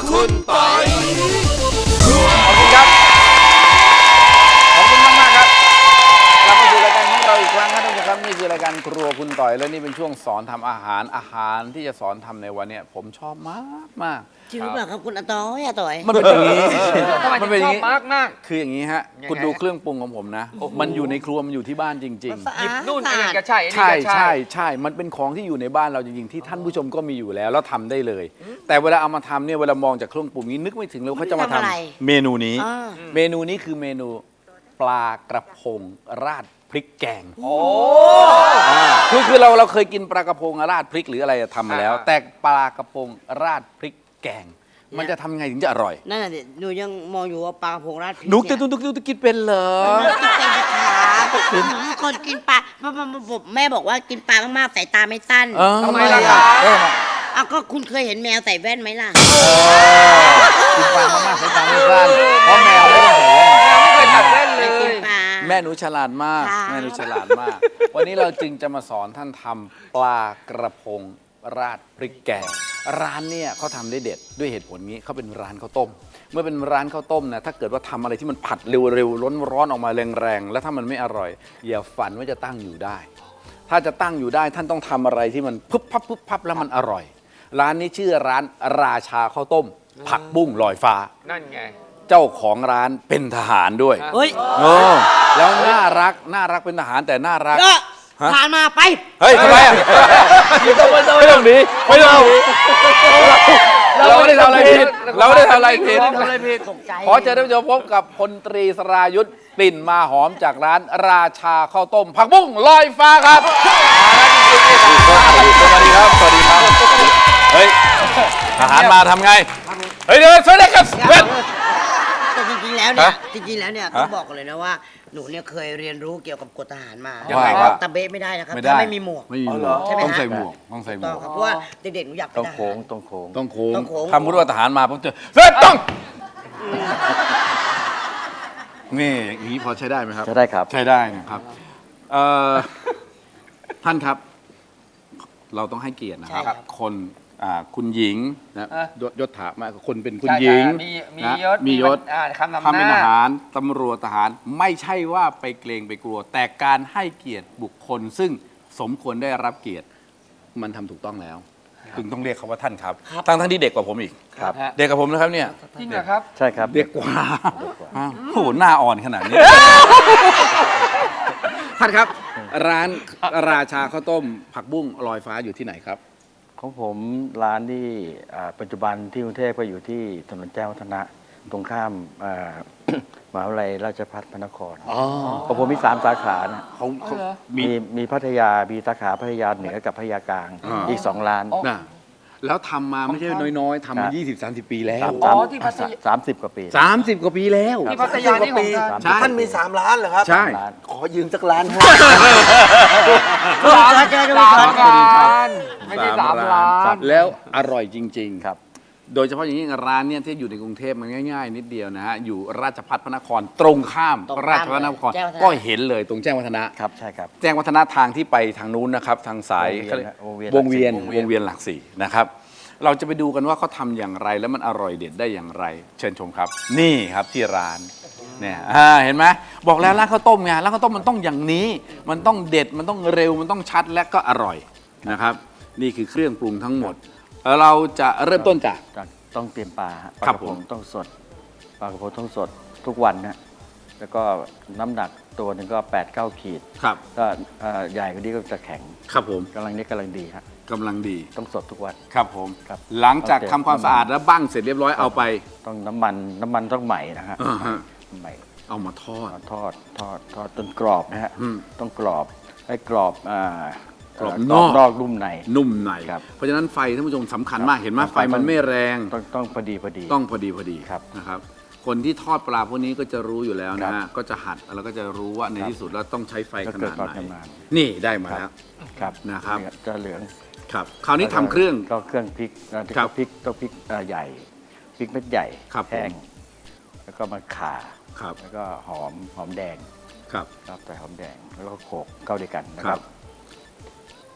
คุณปอยขอบคุณครับขอบคุณมากครับกลับมาสู่รายการของเราอีกครั้งครับท่านผู้ชมครับนี่คือรายการครัวคุณต่อยและนี่เป็นช่วงสอนทำอาหารที่จะสอนทำในวันนี้ผมชอบมากจริงหรือเปล่าครับคุณอาต้อยอาต่อยมันเป็นอย่างนี้ทำไมถึงชอบมากคืออย่างนี้ฮะคุณดูเครื่องปรุงของผมนะมันอยู่ในครัวมันอยู่ที่บ้านจริงๆหยิบนู่นไอ้นี่ก็ใช่ไอ้นี่ใช่ก็ใช่มันเป็นของที่อยู่ในบ้านเราจริงๆที่ท่านผู้ชมก็มีอยู่แล้วแล้วทำได้เลย แต่เวลาเอามาทำเนี่ยเวลามองจากเครื่องปรุงนี้นึกไม่ถึงเลยว่าเขาจะมาทำเมนูนี้ เมนูนี้คือเมนูปลากระพงราดพริกแกงคือเราเคยกินปลากระพงราดพริกหรืออะไรทำมาแล้ว แต่ปลากระพงราดพริกแกง มันจะทำไงถึงจะอร่อยนั่นน่ะดิหนูยังมองอยู่ว่าปลากระพงราดพริกนุกเนี่ยตุ๊กกินเป็นเหรอกินเป็นนะคะคนกินปลาแม่บอกว่ากินปลามากๆสายตาไม่สั้นทำไมล่ะคะอ้าวก็คุณเคยเห็นแมวใส่แว่นไหมล่ะกินปลามากๆสายตาไม่สั้นเพราะแมวไม่ต้องใส่แว่นไม่เคยตัดเล่นเลไม่กินยปลาแม่หนูฉลาดมากค่ะแม่หนูฉลาดมาก วันนี้เราจึงจะมาสอนท่านทำปลากระพงราดพริกแกง ร้านเนี่ยเขาทำได้เด็ดด้วยเหตุผลนี้เขาเป็นร้านข้าวต้ม เมื่อเป็นร้านข้าวต้มนะถ้าเกิดว่าทำอะไรที่มันผัดเร็วๆร้อนๆออกมาแรงๆแล้วถ้ามันไม่อร่อย อย่าฝันว่าจะตั้งอยู่ได้ ถ้าจะตั้งอยู่ได้ท่านต้องทำอะไรที่มันพึบพับแล้วมันอร่อย ร้านนี้ชื่อร้านราชาข้าวต้ม ผักบุ้งลอยฟ้านั่นไงเจ้าของร้านเป็นทหารด้วยเฮ้ยโอ้แล้วน่ารักเป็นทหารแต่น่ารักเยอะผ่านมาไปเฮ้ยทำไมอ่ะไม่ต้องหนีเราไม่ได้ทำอะไรผิดเราไม่ได้ทำอะไรผิดตกใจขอเชิญท่านผู้ชมพบกับพลตรีสรายุทธกลิ่นมาหอมจากร้านราชาข้าวต้ม ผักบุ้งลอยฟ้าครับสวัสดีครับเฮ้ยทหารมาทำไงเฮ้ยเดี๋ยวสวัสดีครับแต่จริงๆแล้วเนี่ยต้องบอกกันเลยนะว่าหนูเนี่ยเคยเรียนรู้เกี่ยวกับกฎทหารมายังไงครับตะเบ๊ะไม่ได้นะครับไม่ได้ถ้าไม่มีหมวกไม่มีหมวกใช่ไหมฮะต้องใส่หมวกต้องใส่ถูหกมต้องวกครับเพราะว่าเด็กๆหนูอยากเป็นทหารต้องโค้งต้องโค้งทำรู้ว่าทหารมาผมเจอเฮ้ยต้องนี่อย่างนี้พอใช้ได้ไหมครับใช้ได้ครับใช้ได้นะครับท่านครับ เราต้องให้เกียรตินะครับ คนคุณหญิงนะยศถามาคนเป็นคุณหญิงมีนะยศมียศคำนำหทำเป็นทน้าหารตำรวจทหารไม่ใช่ว่าไปเกรงไปกลัว แต่การให้เกียรติบุคคล ซึ่งสมควรได้รับเกียรติมันทำถูกต้องแล้วถึงต้องเรียกเขาว่าท่านครับทั้งที่เด็กกว่าผมอีกครับเด็กกว่าผมนะครับเนี่ยจริงเหรอครับใช่ครับเด็กกว่าอ้าวโอ้โหหน้าอ่อนขนาดนี้ ท่านครับ ร้านราชาข้าวต้ม ผักบุ้งลอยฟ้าอยู่ที่ไหนครับของผมร้านที่ปัจจุบันที่กรุงเทพก็อยู่ที่ถนนแจ้งวัฒนะ ตรงข้ามมหาวิทยาลัยราชภัฏพระนครของผมมี3 สาขานะเขามี มีพัทยา มีสาขาพัทยาเหนือกับพัทยากลาง อีก 2 ร้านน่ะแล้วทำมาไม่ใช่น้อยๆทำมา 20-30 ปีแล้วอ๋อที่พัทยา 30 กว่าปี 30 กว่าปีแล้วที่พัทยานี่ของท่านใช่ท่านมี3 ล้านเหรอครับใช่ร้านขอยืมสักล้านห้าเจอสามล้านไม่ใช่3 ล้านแล้วอร่อยจริง ๆครับโดยเฉพาะอย่างยิ่งร้านเนี่ยที่อยู่ในกรุงเทพมันง่ายๆ นิดเดียวนะฮะอยู่ราชภัฏพระนครตรงข้ามราชภัฏพระนครก็เห็นเลยตรงแจ้งวัฒนะครับใช่ครับแจ้งวัฒนะทางที่ไปทางนู้นนะครับทางสายวงเวียนวงเวียนหลักสี่นะครับเราจะไปดูกันว่าเขาทำอย่างไรแล้วมันอร่อยเด็ดได้อย่างไร เชิญชมครับ นี่ครับที่ร้านเนี่ยเห็นไหมบอกแล้วร้านข้าวต้มไงร้านข้าวต้มมันต้องอย่างนี้ มันต้องเด็ดมันต้องเร็วมันต้องชัดและก็อร่อยนะครับนี่คือเครื่องปรุงทั้งหมดเราจะเริ่มต้นจากต้องเตรียมปลาฮะปครัลาบกระพผงมต้องสด ปลากระพงต้องสดทุกวันนะแล้วก็น้ำหนักตัวหนึงก็8-9 ขีดครับก็ใหญ่กว่านี้ก็จะแข็งครับผมกำลังดีฮะกำลังดีต้องสดทุกวันครับผมครับหลังจากโอเคทำความสะอาดแล้วบั้งเสร็จเรียบร้อยเอาไปต้องน้ำมันต้องใหม่นะฮะอ่าฮะใหม่เอามาทอดทอดจนกรอบนะฮะอืมต้องกรอบให้กรอบกรอบนนอกนุ่มในนุ่มในครับเพราะฉะนั้นไฟท่านผู้ชมสำคัญมากเห็นไหมครับไฟมันไม่แรงต้องพอดีต้องพอดีครับนะครับ คนที่ทอดปลาพวกนี้ก็จะรู้อยู่แล้วนะครัฮะบก็จะหัดแล้วก็จะรู้ว่าในครับที่สุดแล้วต้องใช้ไฟก็ขเกิดนาดความไหนชำนาญนี่ได้มาแล้วครับนะครับจะเหลืองครับ คราวนี้ทำเครื่องก็เครื่องพริกครับพริกต้องพริกใหญ่พริกเม็ดใหญ่ครับแห้งแล้วก็มาข่าครับแล้วก็หอมแดงครับครับใส่หอมแดงแล้วก็โขลกเข้าด้วยกันนะคครัรับ บ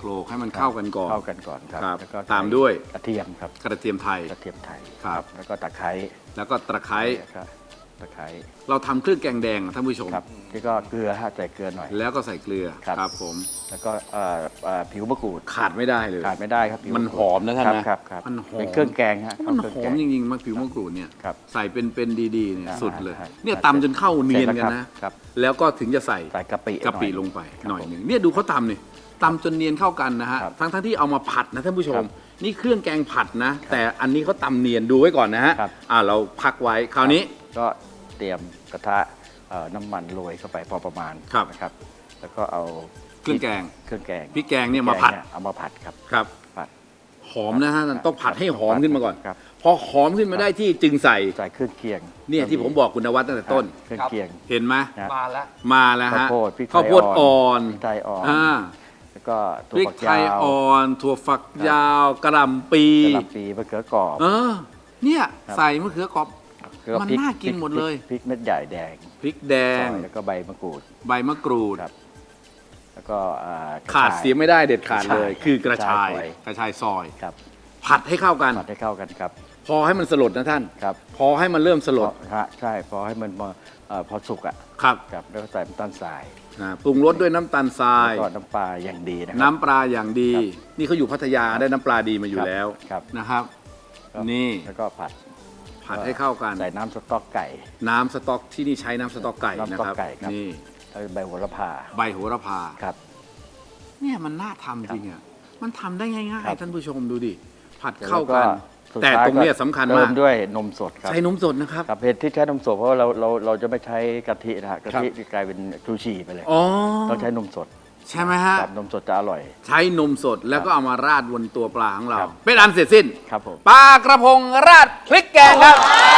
ลกให้มันเข้ากันก่อนเข้ากันก่อนครับครับแล้วก็ตามด้วยกระเทียมครับกระเทียมไทยกระเทียมไทยครับแล้วก็ตะไคร้แล้วก็ตะไคร้ครับตะไคร้เราทำเครื่องแกงแดงอะท่านผู้ชมครับนี่ก็เกลือใส่เกลือหน่อยแล้วก็ใส่เกลือครับผมแล้วก็ผิวมะกรูดขาดไม่ได้เลยขาดไม่ได้ครับผิวมันกรูดหอมนะท่านนะครับครับมันหอมเป็นเครื่องแกงฮะมันเครื่หอแกมงจริงๆมันผิวมะกรูดเนี่ยครับใส่เป็นดีๆเนี่ยอ่าสุดเลยใช่เนี่ยตำจนเข้าเนียนกันนะครับแล้วก็ถึงจะใส่ใส่กะปิกะปิลงไปครับหน่อยผมหนึ่งเนี่ยดูเขาตำนี่ตำจนเนียนเข้ากันนะฮะครับทั้งที่เอามาผัดนะท่านผู้ชครัมบนี่เครื่องแกงผัดนะ แต่อันนี้เขาตำเนียนดูไว้ก่อนนะฮะครับเราพักไว้คราวนี้ก็เตรียมกระทะน้ำมันโรยเข้าไปพอประมาณครับนะครับ แล้วก็เอาเครื่องแกงเครื่องแกงพริกแกงเนี่ยมาผัดพริกแกงเอามาผัดครับครับผัดหอมนะฮะต้องผัดให้หอมขึ้นมาก่อนครับพอหอมขึ้นมาได้ที่จึงใส่ใส่เครื่องเคียงเนี่ยที่ผมบอกคุณนวัดตั้งแต่ต้นเครื่องเคียงเห็นไหมนะมาแล้วมาแล้วฮะข้าวโพดพริกไทยข้าวโพดอ่อนพริกไทยอ่อนอ่าแล้วก็ถั่พวริกฝักไทยาย วอ่อนถั่วฝักยาวกระหล่ำปีกะหล่ำปีมะเขือกรอบเนี่ยครับใส่มะเขือกรอบแล้วมันพริน่ากินหมดเลยพริกเม็ดใหญ่แดงพริกแดงซอยแล้วก็ใบมะกรูดใบมะกรูดครับ แล้วก็กระขาดชเสียไม่ได้เด็ดขาดเลยกระชายคือกระชายกระชายกระชายซอยครับผัดให้เข้ากันผัดให้เข้ากันครับพอให้มันสลดนะท่านครับพอให้มันเริ่มสลดฮะใช่พอให้มันพอสุกอ่ะครับครับแล้วก็ใส่น้ำตาลทรายปรุงรสด้วยน้ำตาลทรายแล้วก็น้ำปลาอย่างดีนะครัน้ำปลาอย่างดีครับนี่เขาอยู่พัทยาได้น้ำปลาดีมาอยู่ครับแล้วครับนะครับครับนี่แล้วก็ผัดผัดให้เข้ากันใส่น้ำสต๊อกไก่น้ำสต๊อกที่นี่ใช้น้ำสต๊อกไก่น้ำสนะต๊อกครับไก่ครับนี่แล้วใบโหระพาใบโหระพาครับเนี่ยมันน่าทำจริงอ่ะมันทำได้ง่ายครับๆท่านผู้ชมดูดิผัดเข้าแล้วกันสุดแต่ท้ายตรงเนี้ยสำคัญเติมากมด้วยนมสดครับใช้นมสดนะครับกับเหตุที่ใช้นมสดเพราะว่าเราจะไม่ใช้กะทินะฮะกะทิที่กลายเป็นชูชีไปเลยอ๋อต้องใช้นมสดใช่ไหมฮะครับนมสดจะอร่อยใช้นมสดแล้วก็เอามาราดบนตัวปลาของเราครับเป็นอันเสร็จสิ้นครับผมปลากระพงราดพริกแกงครับ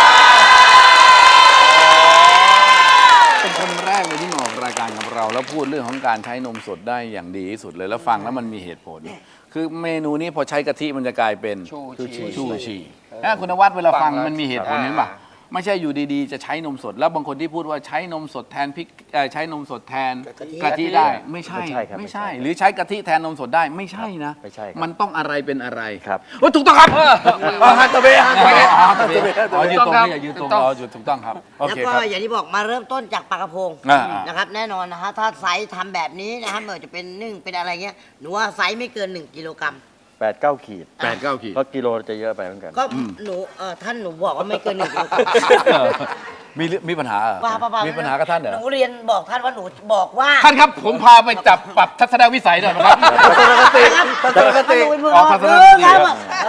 เป็นคนแรกเลยที่มาออกรายการกับเรา แล้วพูดเรื่องของการใช้นมสดได้อย่างดีที่สุดเลยแล้วฟังแล้วมันมีเหตุผล คือเมนูนี้พอใช้กะทิมันจะกลายเป็น ชูชีคุณนวัดเวลาฟังมันมีเหตุผลเห็นป่ะไม่ใช่อยู่ดีๆ จะใช้นมสด แล้วบางคนที่พูดว่าใช้นมสดแทนพริกใช้นมสดแทนกะทิได้ไม่ใช่ไม่ใช่ครับไม่ใช่ หรือใช้กะทิแทนนมสดได้ไม่ใช่นะไม่ใช่ครับมันต้องอะไรเป็นอะไรครับโอ้ถูกต้องครับฮัตเตอร์เบย์ยืนตรงครับนี่อย่ายืนตรงถูกต้องอยู่ถูกต้องครับโอแล้วเคก็ครับอย่างที่บอกมาเริ่มต้นจากปลากระพงอ่านะครับแน่นอนนะฮะถ้าไซส์ทำแบบนี้นะฮะเมื่อจะเป็นนึ่งเป็นอะไรเงี้ยหนูว่าไซส์ไม่เกิน 1 กิโลกรัม 8-9 ขีด 8-9 ขีดก็กิโลจะเยอะไปเหมือนกันก็หนูท่านหนูบอกว่าไม่เกิน 1 กิโลกรัมมีปัญหาเหรอป้ามีปัญหากับท่านเหรอหนูเรียนบอกท่านว่าหนูบอกว่าท่านครับผมพาไปจับปรับทัศนวิสัยหน่อยนะครับท่านหนูเป็นมืออ๋อรอทับศนเอคอติครับ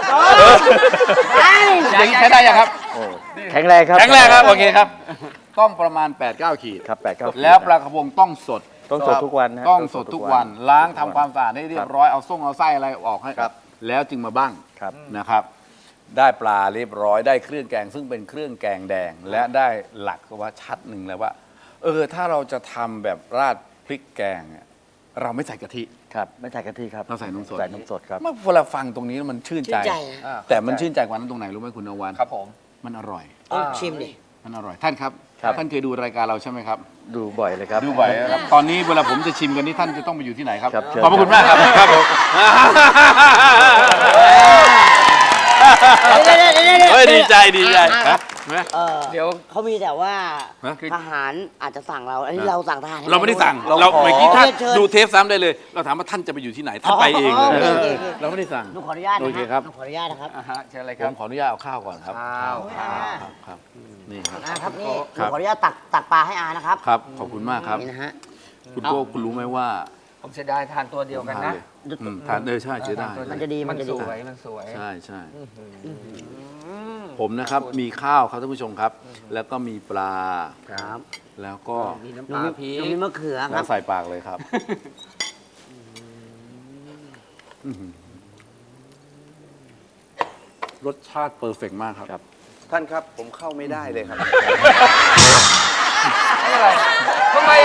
ใช่อย่างนี้ใช้ได้ยังครับโอ้แข็งแรงครับแข็งแรงครับ โอเคครับ ต้องประมาณ 8-9 ขีดครับ8-9 ขีดแล้วปลากระพงต้องสดต้องสดทุกวันนะฮะต้องสดทุกวัน ล้างทำความสะอาดให้เรียบร้อย เอาไส้อะไรออกให้ครับแล้วจึงมาบ้างครับนะครับ ได้ปลาเรียบร้อยได้เครื่องแกงซึ่งเป็นเครื่องแกงแดง และได้หลักว่าชัดหนึ่งแล้วว่า ถ้าเราจะทำแบบราดพริกแกงอะเราไม่ใส่กะทิครับไม่ใส่กะทิครับเราใส่นมสดใส่นมสดครับเมื่อเวลาฟังตรงนี้แล้วมันชื่นใจชื่นใจแต่มันชื่นใจกว่านั้นตรงไหนรู้ไหมคุณนวันครับผมมันอร่อยต้องชิมดิมันอร่อยท่านครับครับท่านเคยดูรายการเราใช่ไหมครับดูบ่อยเลยครับดูไหวครับตอนนี้เวลาผมจะชิมกันนี่ท่านจะต้องไปอยู่ที่ไหนครับครับเชิญขอบพระคุณมากครับครับผม เฮ้ยดีใจฮะเดี๋ยวเขามีแต่ว่าฮะทหารอาจจะสั่งเรา อันนี้เราสั่งทหารให้เราไม่ได้สั่งเราเราเมื่อกี้ท่านเชิญดูเทปซ้ำได้เลย เราถามว่าท่านจะไปอยู่ที่ไหนท่านไปเองเลยโอเคโอเคเราไม่ได้สั่งหนูขออนุญาตนะโอเคครับหนูขออนุญาตนะครับเชิญเลยคผรับมขออนุญาตเอาข้าวก่อนครับข้าวครับนี่ครับนะครับนี่หครันูบขออนุญาตตักปลาให้อานะครับครับขอบคุณมากครับนี่นะฮะคุณโก้คุณรู้ไหมว่าผมเสียดายทานตัวเดียวกันนะทานใช่เสียดายมันจะดีมันจะสดีวยมันสวยใช่ใช่ผมนะครับมีข้าวครับท่านผู้ชมครับ แล้วก็มีปลาครับแล้วก็มีน้ำหปนูลามีพริหนูกมีมะเขือคแล้รัวบใส่ปากเลยครับรสชาติเพอร์เฟกต์มากครับท่านครับผมเข้าไม่ได้เลยครับอะไรทำไม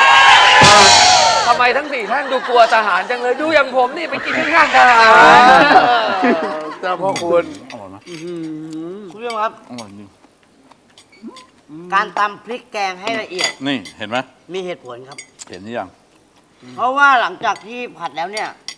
ทั้งสี่ท่านดูกลัวทหารจังเลยดูอย่างผมนี่ไปกินข้างทหารเจ้าพ่อคุณอร่อยไหมคุณผู้ชมครับอร่อยจริงการตำพริกแกงให้ละเอียดนี่เห็นไหมมีเหตุผลครับเห็นหรือยังเพราะว่าหลังจากที่ผัดแล้วเนี่ย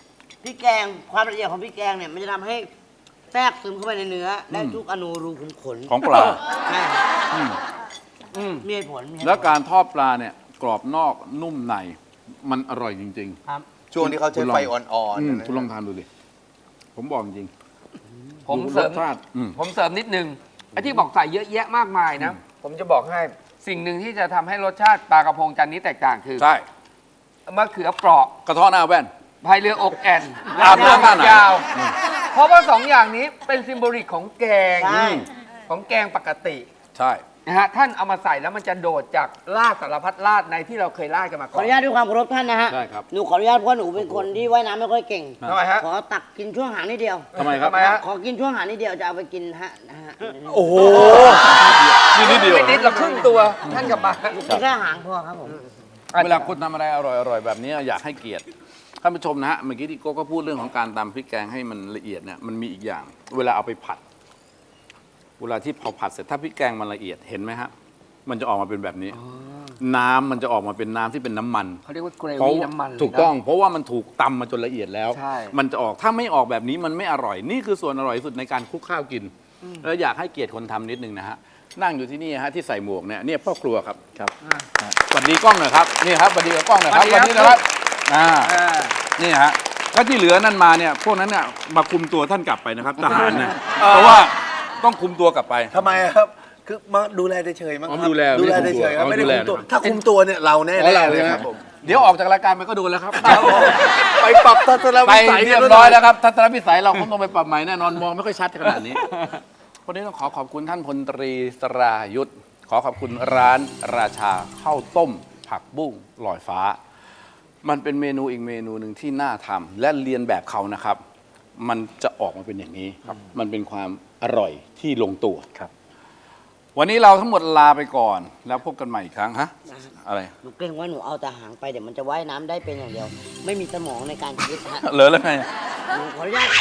พริกแกงความละเอียดของพริกแกงเนี่ยมันจะทำให้แทรกซึมเข้าไปในเนื้อได้ทุกอนูรูขุมขนของปลาใช่ครับมีเหตุผลมีเหตุผแล้วการทอดปลาเนี่ยกรอบนอกนุ่มในมันอร่อยจริงครับช่วงที่เขาใช้ไฟอ่อนๆๆนะคุณลองทานดูดิผมบอกจริงผมเสริมรสชาติผมเสริมนิดนึงไอ้ที่บอกใส่เยอะแยะมากมายนะ ผมจะบอกให้สิ่งหนึ่งที่จะทำให้รสชาติปลากระพงจานนี้แตกต่างคือใช่มะเขือเปราะกระเทาะหน้าแว่นพายเรืออกแอนอาบน้ำหน้าหนาวยาว เพราะว่าสองอย่างนี้เป็นซิมโบลิกของแกงใช่ของแกงปกติใช่นะฮะท่านเอามาใส่แล้วมันจะโดดจากราดสารพัดราดในที่เราเคยราดกันมาขก่อออน นุญาตด้วยความเคารพท่านนะฮะใช่ครับหนูขออนุญาตเพราะหนูเป็นคนที่ว่ายน้ำไม่ค่อยเก่งทำไมฮะขอตักกินช่วงหางนิดเดียวทำไมครับทำไมฮะขอกินช่วงหางนิดเดียวจะเอาไปกินฮะนะฮะโอ้โหนี่นิดเดียวไม่นิดเราครึ่งตัวท่านกลับมากินแค่หางพอครับผมเวลาคุณทำอะไรอร่อยๆแบบนี้อยากให้เกียรติท่านผู้ชมนะฮะเมื่อกี้ที่โก้ก็พูดเรื่องของการตำพริกแกงให้มันละเอียดเนี่ยมันมีอีกอย่าง เวลาเอาไปผัด เวลาที่พอผัดเสร็จถ้าพริกแกงมันละเอียดเห็นไหมฮะมันจะออกมาเป็นแบบนี้ น้ำมันจะออกมาเป็นน้ำที่เป็นน้ำมันเขาเรียกว่าเกรเพราะวี่น้ำมันเลยนะถูกต้อง เพราะว่ามันถูกตำมาจนละเอียดแล้วใช่มันจะออกถ้าไม่ออกแบบนี้มันไม่อร่อย นี่คือส่วนอร่อยที่สุดในการคลุกข้าวกิน แล้วอยากให้เกียรติคนทำนิดนึงนะฮะนั่งอยู่ที่นี่ฮะที่ใส่หมวกเนี่ยพ่อครัวครับครับสวัสดีกล้องหน่อยครับนี่ครับสวัสดีกับกล้องหน่อยครับสวัวันสดีนี้ครับนะครับอ่าอ่านี่ฮะก็ที่เหลือนั่นมาเนี่ยพวกนั้นเนี่ยมาคุมตัวท่านกลับไปนะครับทหารนะเพราะว่าต้องคุมตัวกลับไปทำไมครับ คือมาดูแลเฉยๆมั้งคอ๋รัอดูแลดูแลไม่ได้คุมเฉยๆครับตัวไม่ได้ดูแลคุมตัวนะครับถ้าคุมตัวเนี่ยเราแน่อ๋อเราๆเลยใช่ไหมครับผมเดี๋ยวออกจากรายการไปก็โดนแล้วครับไปปรับทัศนไปวิสัยเรียบร้อยแล้วครับทัศนวิสัยเราคงต้องไปปรับใหม่แน่นอนมองไม่ค่อยชัดขนาดนี้วันนี้ต้องขอบคุณท่านพลตรีสรายุทธขอขอบคุณร้านราชาข้าวต้ม ผักบุ้งลอยฟ้า มันเป็นเมนูอีกเมนูหนึ่งที่น่าทำและเรียนแบบเขานะครับ มันจะออกมาเป็นอย่างนี้มันเป็นความอร่อยที่ลงตัวครับวันนี้เราทั้งหมดลาไปก่อนแล้วพบกันใหม่อีกครั้งฮะอะไรหนูเกรงว่าหนูเอาแต่หางไปเดี๋ยวมันจะว่ายน้ำได้เป็นอย่างเดียว ไม่มีสมองในการคิดฮะเหลือแล้วไงหนูขออนุญาต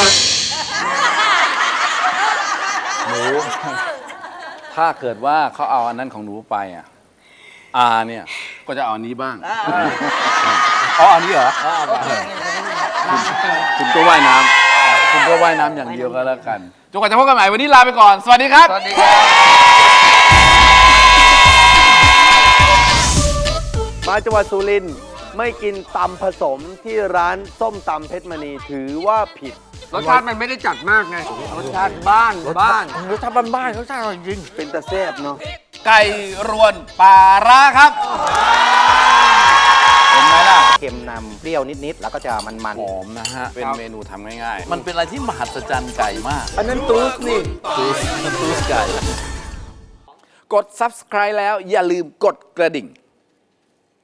หนูถ้าเกิดว่าเขาเอาอันนั้นของหนูไปอ่ะอาเนี่ยก็จะเอาอันนี้บ้างอ๋ออันนี้เหรอคุณก็ว่ายน้ำคุณก็ว่ายน้ำอย่างเดียวก็แล้วกันจนกว่าจะพบกันใหม่วันนี้ลาไปก่อนสวัสดีครับสวัสดีครับมาจังหวัดสุรินทร์ไม่กินตำผสมที่ร้านส้มตำเพชรมณีถือว่าผิดรสชาติมันไม่ได้จัดมากไงรสชาติบ้านบ้านรสชาติบ้านๆรสชาติอร่อยจริงเป็นตะแซ่บเนาะไก่รวนปลาร้าครับเห็นไหมล่ะเค็มนำเปรี้ยวนิด ๆ แล้วก็จะมันหอมนะฮะเป็นเมนูทำง่ายๆ มันเป็นอะไรที่มหัศจรรย์ไก่มากอันนั้นตูสนี่ตูสไก่กด subscribe แล้วอย่าลืมกดกระดิ่ง